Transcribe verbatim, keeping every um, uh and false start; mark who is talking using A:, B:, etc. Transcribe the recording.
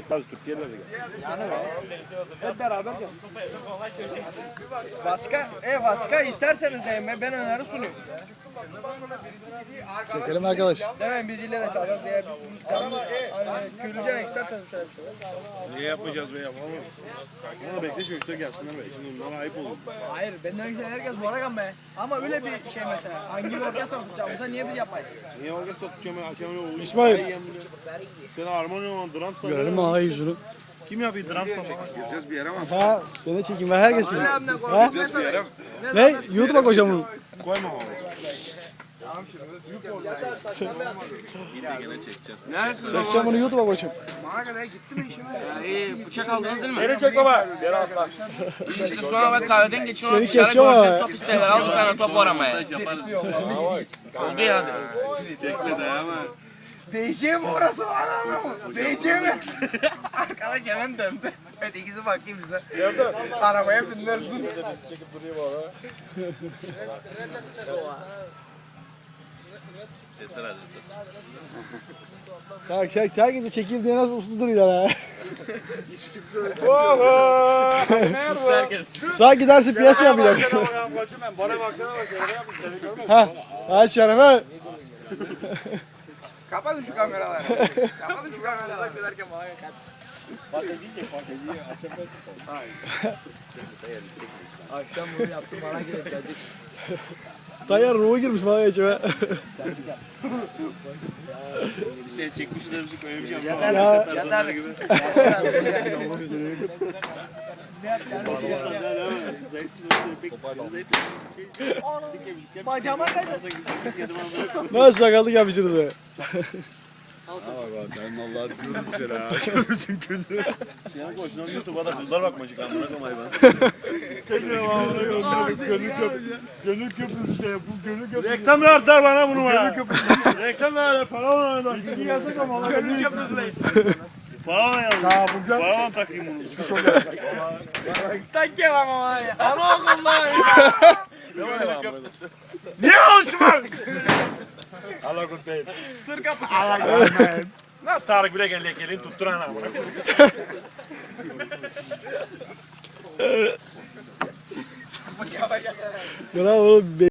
A: Türkiye'de de gelsin.
B: Yani be. Hep beraber gel. Başka, e başka isterseniz de ben öneri sunuyorum.
C: Çekelim arkadaş.
B: Demeyin biz ile de çalacağız diye. Canım, hani Gülcan isterseniz söyle bir şeyler.
A: Niye yapmayacağız be yapalım. Ama bekle çocuklar gelsinler be. Şimdi onlara ayıp olur.
B: Hayır benden önce herkes Boragan be. Ama öyle bir şey mesela. Hangi bir orkestra tutacağımıza niye biz yapmayız?
A: Niye orkestra tutacağım ben akşam ne olur?
C: İsmail.
A: Sen harmoni olan drums
C: Görelim ama yüzünü.
A: Kim yapıyor drums falan?
D: Gireceğiz bir yere ama.
C: Ha, seni çekeyim ben herkes şimdi.
B: Abimden
C: Ha?
B: konuşup
D: Bir yere.
C: Ne? YouTube'a koyacağım bunu.
A: Koyma onu.
C: Çekeceğim bunu YouTube'a koyacağım.
B: bana kadar gitti mi işime?
E: İyi bıçak aldınız değil mi?
A: Beni çek baba. Geri atla.
E: İyi işte sonra bak kahveden geçiyorum.
C: Seni
E: Dışarı
C: kesiyor
E: göreceğim,
C: ama.
E: top isterler. Al bir tane top aramaya. Oldu ya hadi.
A: Çekme dayama.
B: D J mi orası var ama? D J mi? Arkadaş hemen döndü. Evet ikisi bakayım bize. Arabaya binlersin.
C: Çek çek herkesi çekeyim diye nasıl uslu duruyor ha. Sağ gidersin piyasa yapacak. Ha, hadi Şerefe.
B: Kapatın şu kameraları. Kapatın şu kameraları. Giderken bana yakar. Akşam bunu yaptım bana gelecek.
C: Tayyar ruhu girmiş bana içime.
A: Bir seni çekmişiz de bizi koyamayacağım.
E: Yeter
C: Ya.
E: yeter.
B: Bacağıma kaçır.
C: Nasıl şakalık yapmışsınız be.
A: Sen vallahi diyorum bir kere ha. Görürsün günü. Sen koşun YouTube'a da kızlar bakmayacak lan bırak ama hayvan. Sen ne var gönül köprüsü. Gönül köprüsü işte bu gönül köprüsü. Reklam ver bana bunu bana. Gönül köprüsü. Reklam ver para var da. İçki yasak ama. Gönül köprüsü. Para yazın. Ha bu güzel. Para takayım bunu.
B: Tak ya ama ya. Ama okulda ya.
A: Gönül köprüsü. Niye olsun? Allah kurtayım.
B: Sır kapısı.
A: Allah kurtayım. Nasıl Tarık bile gel gelin tutturan ama.
C: Bravo oğlum.